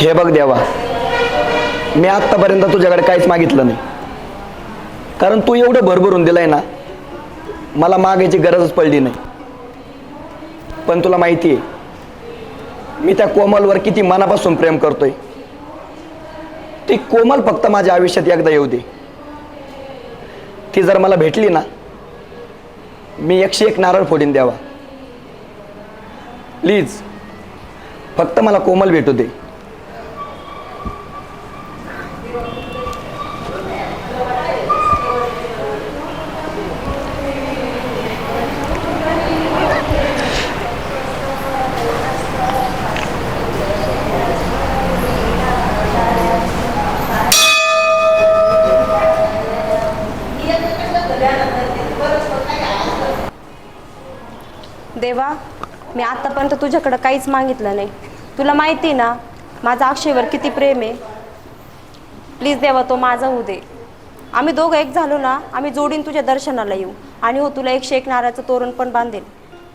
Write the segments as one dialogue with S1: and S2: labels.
S1: हे बघ देवा, मी आत्तापर्यंत तुझ्याकडे काहीच मागितलं नाही, कारण तू एवढं भरभरून दिलंय ना, मला मागायची गरजच पडली नाही. पण तुला माहिती आहे मी त्या कोमलवर किती मनापासून प्रेम करतोय. ती कोमल फक्त माझ्या आयुष्यात एकदा येऊ दे. ती जर मला भेटली ना, मी 101 नारळ फोडीन देवा. प्लीज फक्त मला कोमल भेटू दे.
S2: देवा, मी आत्तापर्यंत तुझ्याकडं काहीच मागितलं नाही. तुला माहिती ना माझं अक्षयवर किती प्रेम आहे. प्लीज देवा, तो माझा होऊ दे. आम्ही दोघं एक झालो ना, आम्ही जोडीन तुझ्या दर्शनाला येऊ आणि हो तुला 101 नारळाचं तोरण पण बांधेल.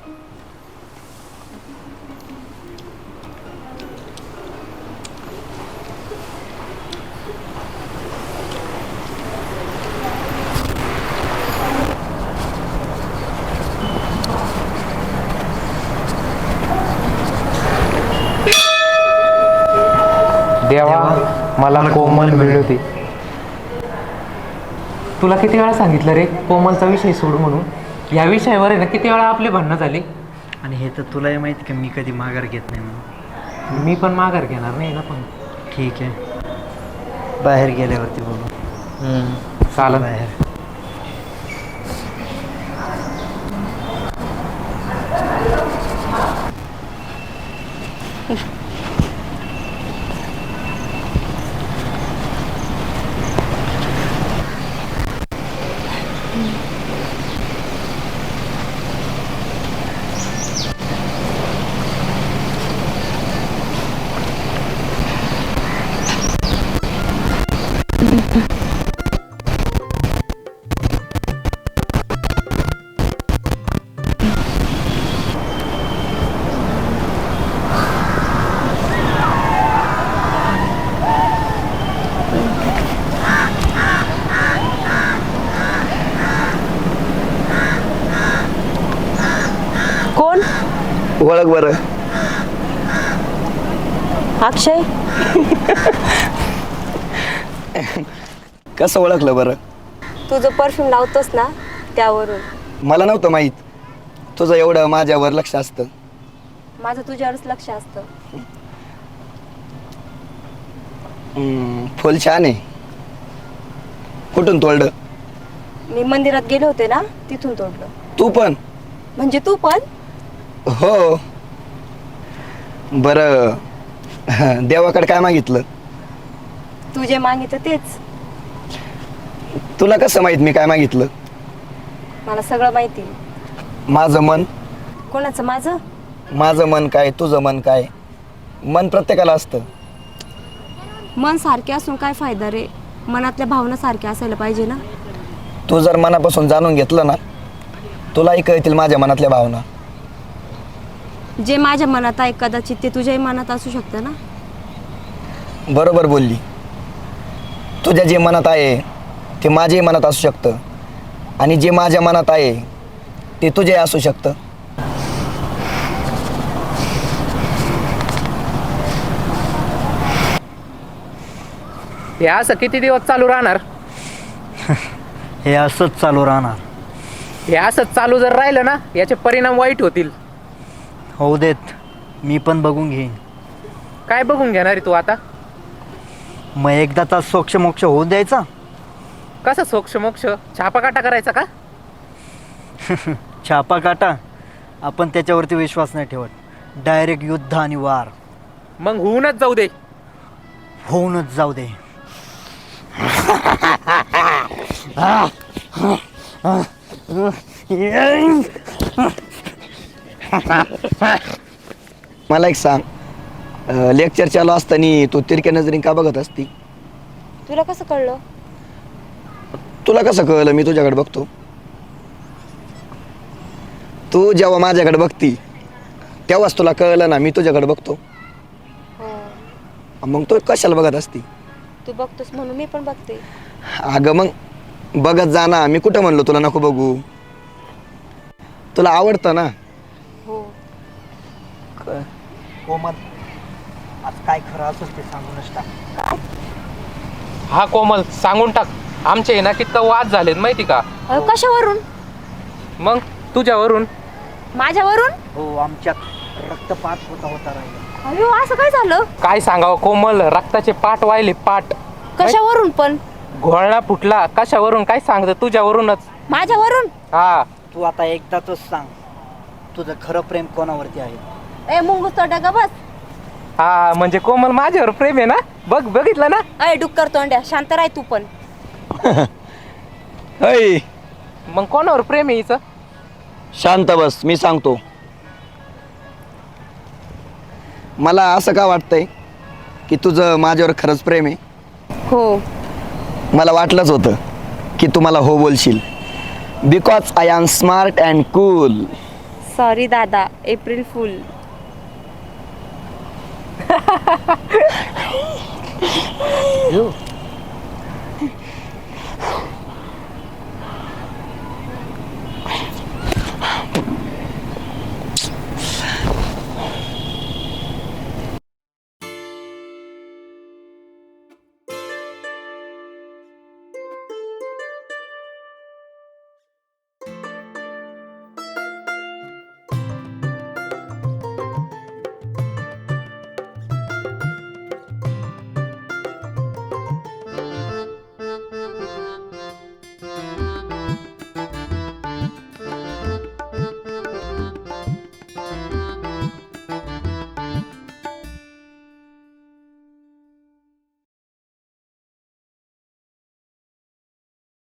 S3: देवा, मला कोमल मिळते. तुला किती वेळा सांगितलं रे कोमलचा विषय सोड म्हणून. या विषयावर आहे ना किती वेळा आपली भांडणं झाली.
S4: आणि हे तर तुलाही माहिती की मी कधी माघार घेत नाही म्हणून.
S3: मी पण माघार घेणार नाही ना. पण
S4: ठीक आहे, बाहेर गेल्यावरती बोलू.
S3: चालेल.
S4: बाहेर
S2: कोण?
S1: ओळख बरं.
S2: अक्षय.
S1: कसं ओळखलं बरं?
S2: तू जो परफ्यूम लावतोस ना त्यावरून.
S1: मला नव्हतं माहीत तुझं एवढं माझ्यावर लक्ष असतं.
S2: माझं तुझ्यावरच लक्ष असतं.
S1: फुल छान आहे. कुठून तोडलं?
S2: मी मंदिरात गेले होते ना, तिथून तोडलं.
S1: तू पण?
S2: म्हणजे तू पण?
S1: हो. बरं, देवाकडे काय मागितलं?
S2: तू जे मागितलं तेच.
S1: तुला कसं माहित मी काय मागितलं?
S2: मला सगळं माहिती.
S1: माझं मन?
S2: कोणाचं? माझं?
S1: माझं मन काय, तुझं मन काय? मन प्रत्येकाला असतं.
S2: मन सारखे असून काय फायदा रे? मनातल्या भावना सारख्या असायला पाहिजे ना.
S1: तू जर मनापासून जाणून घेतलं ना, तुलाही कळतील माझ्या मनातल्या भावना.
S2: जे माझ्या मनात आहे कदाचित ते तुझ्याही मनात असू शकतं ना.
S1: बरोबर बोलली. तुझ्या जे मनात आहे ते माझ्याही मनात असू शकतं, आणि जे माझ्या मनात आहे ते तुझ्याही असू शकतं.
S3: हे असं किती दिवस चालू राहणार?
S4: हे असंच चालू राहणार.
S3: हे असंच चालू जर राहिलं ना, याचे परिणाम वाईट होतील.
S4: होऊ देत, मी पण बघून घेईन.
S3: काय बघून घेणार आहे तू आता?
S4: मग एकदाचा सोक्ष मोक्ष होऊ द्यायचा.
S3: कसं सोक्ष मोक्ष? छापाकाटा करायचा का?
S4: छापा काटा, आपण त्याच्यावरती विश्वास नाही ठेवत. डायरेक्ट युद्ध आणि वार.
S3: मग होऊनच जाऊ दे.
S4: होऊनच जाऊ दे.
S1: मला एक सांग, लेक्चर चालू असताना तू तिरक्या नजरेने का बघत असती?
S2: तुला कसं कळलं?
S1: तुला कसं कळलं मी तुझ्याकडे बघतो? तू जेव्हा माझ्याकडे बघती तेव्हाच तुला कळलं ना मी तुझ्याकडे बघतो. मग तो कशाला बघत असती?
S2: तू बघतोस म्हणून मी पण बघते.
S1: अगं मग बघत जा ना, मी कुठं म्हणलो तुला नको बघू? तुला आवडतं ना.
S2: हो.
S4: कोमल, आज काय खरं असेल ते सांगूनच टाक.
S3: हा कोमल, सांगून टाक. आमचे आहे ना कितकं वाद झालेत माहिती का?
S2: कशावरून?
S3: मग तुझ्यावरून.
S2: माझ्यावरून?
S4: हो, आमच्यात रक्तपात होता राहिला.
S2: अयो असं काय झालं?
S3: काय सांगावं कोमल, रक्ताचे पाट वाहिले, पाट.
S2: कशावरून पण?
S3: घोळणा फुटला. कशावरून काय सांगत? तुझ्यावरूनच.
S2: माझ्यावरून?
S3: हा.
S4: तू आता एकदाच सांग, तुझं खरं प्रेम कोणावरती आहे?
S2: ए मुंगूस तोंड्या का बस.
S3: हा म्हणजे कोमल माझ्यावर प्रेम आहे ना? बघितलं ना?
S2: अय डुक्कर तोंड्या, शांत राह तू पण.
S1: ऐ
S3: मग कोणावर प्रेम आहे हिचं?
S1: शांत बस, मी सांगतो. मला असं का वाटतंय की तुझं माझ्यावर खरंच प्रेम आहे?
S2: हो.
S1: मला वाटलंच होतं की तू मला हो बोलशील. Because I am smart and cool.
S2: Sorry दादा, एप्रिल फुल.